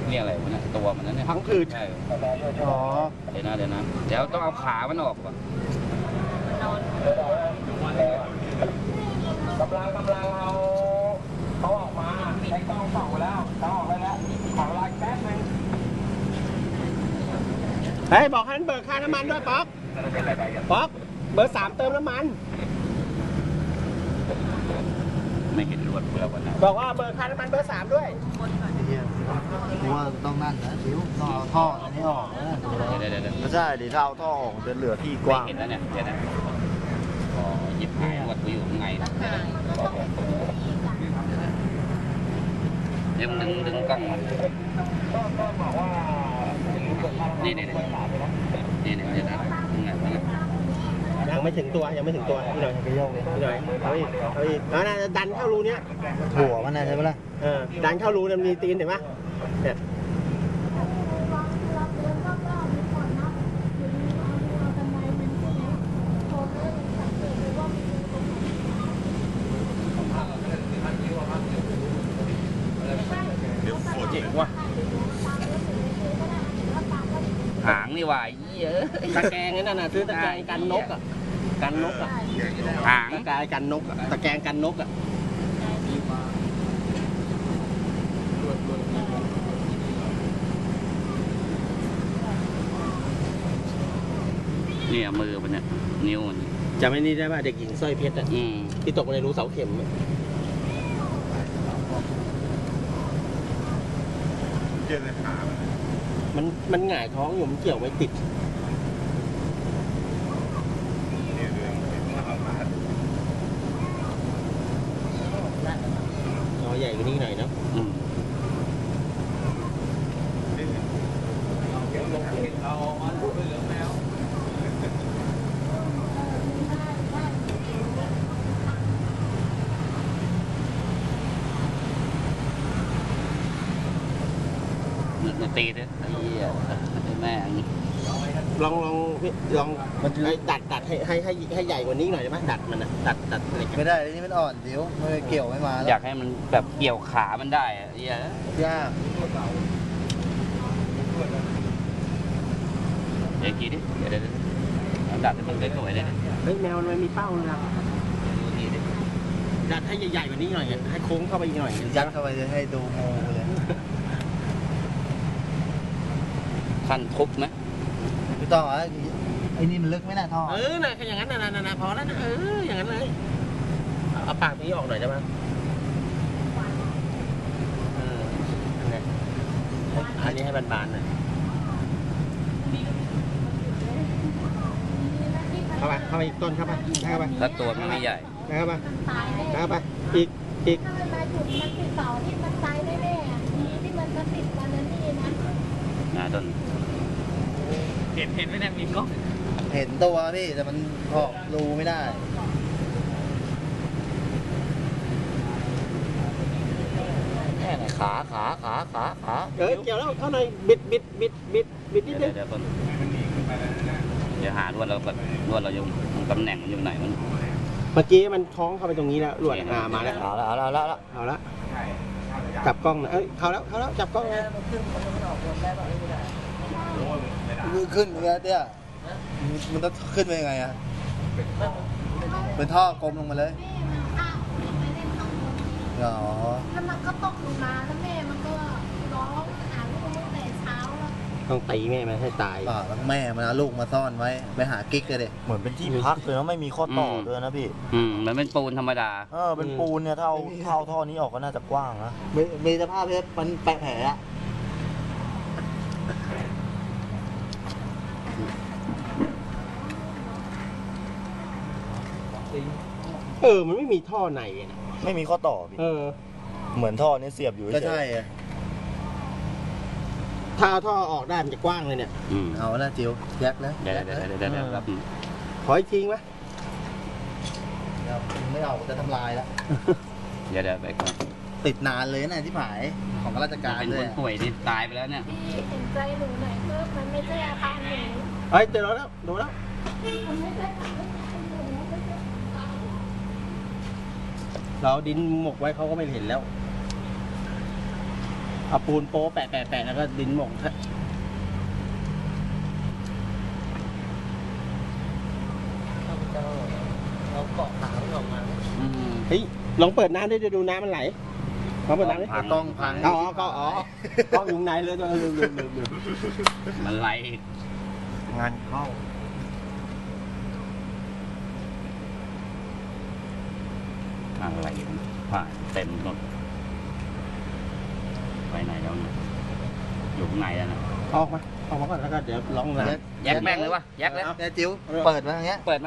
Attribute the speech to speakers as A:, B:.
A: นี่อะไรมันตัวมันนั่นเนี่ย
B: พังผืด
A: ใช่
B: อ๋อ
A: เดี๋ยวต้องเอาขามันออกก่อน
C: กำลังเอาเขาออกมาใช้กล้องส่องไปแล้วเขาออกไปแล้วขอเวลาแป๊บนึง
B: เฮ้ยบอกให้มันเบิกค่าน้ำมันด้วยป๊อกเบอร์ 3เติมน้ำมัน
A: ไม่เห็นรวดเปลือกวันนั้น
B: บอกว่าเบิกค่าน้ำมันเบอร์ 3ด้วย
D: เพราะว่าต้องนั่นนะชิวต้องเอาท่ออันนี้ออกนะไม่ใช่ดิถ้าเอาท่อออกจะเหลือที่กว้าง
A: เห็นแล้วเนี่ยเดี๋ยวนะหยิบหายรวดอยู่ข้างในเดี๋ยวดึงกล้องมานี่เดี๋ยวนะ
B: ยังไม่ถึงตัวพี่หน่อยไปโยกเลยพี่หน่อยเอาอีกแล้วนะดันเข้ารูเนี้ย
D: หัวมันนะใช่ไหมล่ะ
B: ดันเข้ารูมันมีตีนเห็นไหมเนี่ยเจ๋งว่ะ
A: หางนี่ว่าเยอะ
B: ตะแกรงนั่นน่ะซื้อตะแกรงกันนกอ่ะ
A: หาง
B: ตะแกรงกันนกตะแกรงกันนกอ่ะ
A: นี่มือมันเนี่ยนิ้วมัน
B: จำไอ้นี่ได้ป่ะเด็กหญิงสร้อยเพชรอ่ะที่ตกในรูเสาเข็มมันหงายท้องอยู่มันเกี่ยวไม่ติดใหญ่กว่านี้หน่อยเนาะ
A: ตีด้วยแม่
B: ลองมันดัดให้ใหญ่กว่านี้หน่อยได้ไหมดัดมันนะดัดอะไร
D: ไม่ได้นี่มันอ่อนเดี๋ยวไม่เกี่ยวไม่มา
A: อยากให้มันแบบเกี่ยวขามันได้
D: ยาก
A: เดี๋ยวกี้ดิเดี๋ยวดัดให้มันสวยๆเลย
B: เฮ้ยแมวมันมีเป้าเลยนะดัดให้ใหญ่ๆกว่านี้หน่อยให้โค้งเข้าไปอีกหน่อย
D: ยัดเข้าไปเลยให้ดูโมเลย
A: ขั้นทุบไหม
D: ไม่ต้องไอ้นี่มันลึกไหมนะท่อ
B: น่ะแค่อย่างนั้นน่ะพอแล้วนะอย่างนั้นเลยเอาปากนี้ออกหน่อยได้ไหมอันนี้ให้บานๆหน่อยเข้าไปอีกต้นเข้าไป
A: ถ้าตัวมันไม่ใหญ่
B: เข้าไปอีก
E: ถ้ามันมาจุดมันติดเสาที่มันตายแน่ๆที่มันติดกันนั่นนี่นะ
A: ต้นเห็นไหมเนี่ยมีกล้อง
D: เห็นตัวพี่แต่มันออกรูไม่ได้
A: แค่ไหนขา
B: เกี่ยวแล้วเท่าไหร่บิดนิดนึง
A: เดี๋ยวหารวดเราอยู่ตำแหน่งมันอยู่ไหนมัน
B: เมื่อกี้มันท้องเข้าไปตรงนี้แล้วรวดมาแล้ว
D: เอาละ
B: จับกล้องนะเขาแล้วจับกล้องไง
D: ขึ้นเตี้ยมันต้องขึ้นไปยังไงอะเป็นท่อกลมลงมาเลย
E: แล้วมันก็ตกลงมาแล้วแม่มันก็ร้องหาลูกตั้งแต่เช้าแล้ว
B: ต้องตีแม่มันให้ตาย
D: แล้วแม่มันเอาลูกมาซ่อนไว้ไปหากิ๊กเลย
F: เหมือนเป็นที่พักเลยนะไม่มีข้อต่อด้วยนะพี่
A: มันเป็นปูนธรรมดา
F: เป็นปูนเนี่ยถ้าเอาท่อนี้ออกก็น่าจะกว้างนะ
D: มีสภาพเพชรมันแปะแผลอะ
B: มันไม่มีท่อในนะ
F: ไม่มีข้อต่อพี่เหมือนท่อนี้เสียบอยู่
D: ก็ใช่
B: ถ้าเอาท่อออกได้มันจะกว้างเลยเนี่ย
D: เอาละจิ๋วยักแล้ว
A: เดี๋ยวครับ
B: ขออีกทิ้งไหม
D: ไม่เอาจะทำลายแล้ว
A: เดี๋ยวไปก่อน
D: ติดนานเลยนะที่ผายของราชการ
A: เลยเป็นคนป่วยที่ตายไปแล้วเนี่ย
E: เห็นใจหนูหน่อยเพิ่มมันไม่ใช่อาการหนู
B: เจอแล้วดูแล้วเราดินหมกไว้เขาก็ไม่เห็นแล้วเอาปูนโป๊ะแปะแล้วก็ดินหม่ง
D: เราเกาะขาออกมา
B: เฮ้ยลองเปิดน้ำด้วยดูน้ำมันไหลลองเปิดน้ำดิ
D: ต้องพัง
B: อ๋อก็อยู่ไหนเลยตัวลืม
A: มันไหล
D: งานเข้า
A: อะไรผ่านเต็มรถไปไหนแล้วเนี่ยอยู่ข้างในแล้วนะ
B: ออกมาก่อนแล้วก็เดี๋ยวลองน้ำ
A: แยกแม่งเลยวะแยกแล้ว
D: แม่จิ๋วเปิดมาอย่างเงี้ย
A: เปิด